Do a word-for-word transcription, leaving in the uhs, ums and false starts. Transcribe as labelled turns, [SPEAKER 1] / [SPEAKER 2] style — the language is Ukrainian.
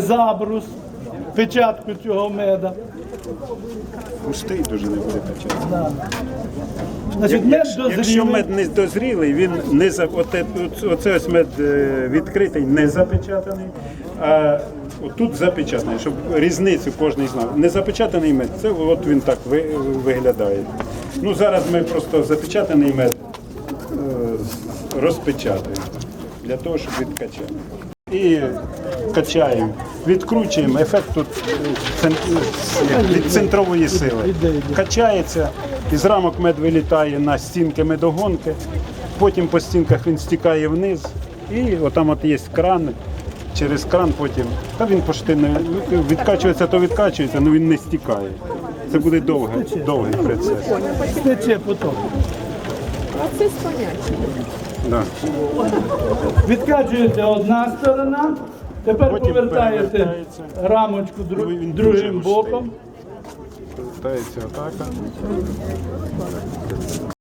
[SPEAKER 1] забрус, печатку цього меда.
[SPEAKER 2] Густий дуже не буде качати.
[SPEAKER 1] Да. Значить, мед
[SPEAKER 2] Якщо
[SPEAKER 1] дозрілий.
[SPEAKER 2] мед не дозрілий, він не за оте, оце ось мед е, відкритий, не запечатаний, а тут запечатаний, щоб різницю кожен знав. Не запечатаний мед, це от він так ви- виглядає. Ну зараз ми просто запечатаний мед е, розпечатуємо для того, щоб відкачати. І качаємо, відкручуємо, ефект тут е, цен- від центрової сили. Качається, із рамок мед вилітає на стінки медогонки, потім по стінках він стікає вниз, і отам от є кран, через кран потім, та він почти не відкачується, то відкачується, але він не стікає. Це буде довгий, довгий процес.
[SPEAKER 1] Стече потім.
[SPEAKER 3] Оце спонячі.
[SPEAKER 2] Да.
[SPEAKER 1] Відкачується одна сторона, тепер
[SPEAKER 2] Потім
[SPEAKER 1] повертаєте
[SPEAKER 2] перевертається.
[SPEAKER 1] рамочку дру-
[SPEAKER 2] Він дуже
[SPEAKER 1] другим
[SPEAKER 2] густий.
[SPEAKER 1] боком.
[SPEAKER 2] Повертається отак.